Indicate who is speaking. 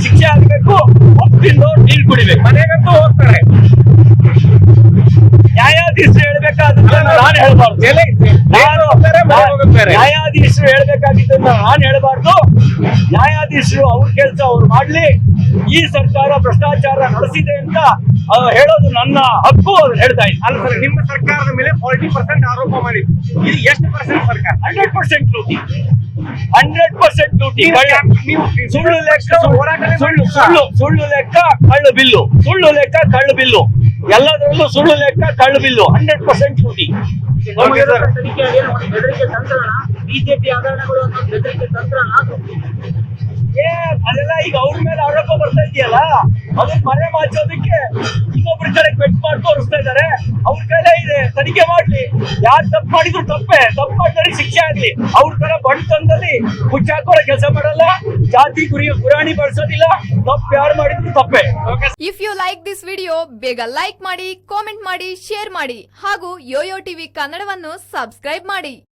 Speaker 1: ಶಿಕ್ಷೆ ಆಗಬೇಕು, ಒಪ್ಪಿಂದು ಡೀಲ್ ಕುಡಿಬೇಕು.
Speaker 2: ಮನೆಗಂತೂ ಹೋಗ್ತಾರೆ.
Speaker 1: ನ್ಯಾಯಾಧೀಶರು ಹೇಳ್ಬೇಕಾದನ್ನ ನಾನು ಹೇಳ್ಬಾರ್ದು. ನ್ಯಾಯಾಧೀಶರು ಹೇಳ್ಬೇಕಾಗಿದ್ದನ್ನ ನಾನು ಹೇಳ್ಬಾರ್ದು. ನ್ಯಾಯಾಧೀಶರು ಅವ್ರ ಕೆಲಸ ಅವ್ರು ಮಾಡ್ಲಿ. ಈ ಸರ್ಕಾರ ಭ್ರಷ್ಟಾಚಾರ ನಡೆಸಿದೆ ಅಂತ ಹೇಳೋದು ನನ್ನ ಹಕ್ಕು, ಹೇಳ್ತಾ ಇದ್ದೀನಿ.
Speaker 2: ಅಲ್ಲ ಸರ್, ನಿಮ್ಮ ಸರ್ಕಾರದ ಮೇಲೆ 40% ಆರೋಪ ಮಾಡಿದ್ರು. ಇದು ಎಷ್ಟು ಪರ್ಸೆಂಟ್ ಸರ್ಕಾರ?
Speaker 1: 100% ಲೂಟಿ. 100% ಲೂಟಿ. ಸುಳ್ಳು ಲೆಕ್ಕ, ಸುಳ್ಳು ಲೆಕ್ಕ, ಕಳ್ಳು ಬಿಲ್ಲು. ಸುಳ್ಳು ಲೆಕ್ಕ, ಕಳ್ಳು ಬಿಲ್ಲು. ಎಲ್ಲದರಲ್ಲೂ ಸುಳ್ಳು ಲೆಕ್ಕ, ಕಳ್ಳು ಬಿಲ್ಲು. 100% ಲೂಟಿ.
Speaker 3: ಬೆದರಿಕೆ ತಂತ್ರನ, ಬಿಜೆಪಿ ಹಗರಣಗಳು ಅನ್ನೋ ಬೆದರಿಕೆ ತಂತ್ರನ.
Speaker 1: ಅದೆಲ್ಲ ಈಗ ಅವ್ರ ಮೇಲೆ ಆರೋಪ ಬರ್ತಾ ಇದೆಯಲ್ಲ, ಅದನ್ನ ಮರೆ ಮಾಚೋದಕ್ಕೆ ಇನ್ನೊಬ್ರ ಕಡೆ ಬೆಟ್ ಮಾಡಿ ತೋರಿಸ್ತಾ ಇದಾರೆ. ಅವ್ರ ಕೈಲೇ ಇದೆ, ತನಿಖೆ ಮಾಡ್ಲಿ. ಯಾರು ತಪ್ಪು ಮಾಡಿದ್ರು ತಪ್ಪೇ, ತಪ್ಪು ಮಾಡಿದ್ರೆ ಶಿಕ್ಷೆ ಆಗ್ಲಿ. ಅವ್ರ ತರ ಬಣ್ಣದಲ್ಲಿ ಮುಚ್ಚಾಕೋರ ಕೆಲಸ ಮಾಡಲ್ಲ, ಜಾತಿ ಗುರಾಣಿ ಬಳಸೋದಿಲ್ಲ. ತಪ್ಪು ಯಾರು ಮಾಡಿದ್ರು ತಪ್ಪೇ.
Speaker 4: If you like this video, ಬೇಗ ಲೈಕ್ ಮಾಡಿ, ಕಾಮೆಂಟ್ ಮಾಡಿ, ಶೇರ್ ಮಾಡಿ ಹಾಗೂ ಯೋಯೋ ಟಿವಿ ಕನ್ನಡವನ್ನು ಸಬ್ಸ್ಕ್ರೈಬ್ ಮಾಡಿ.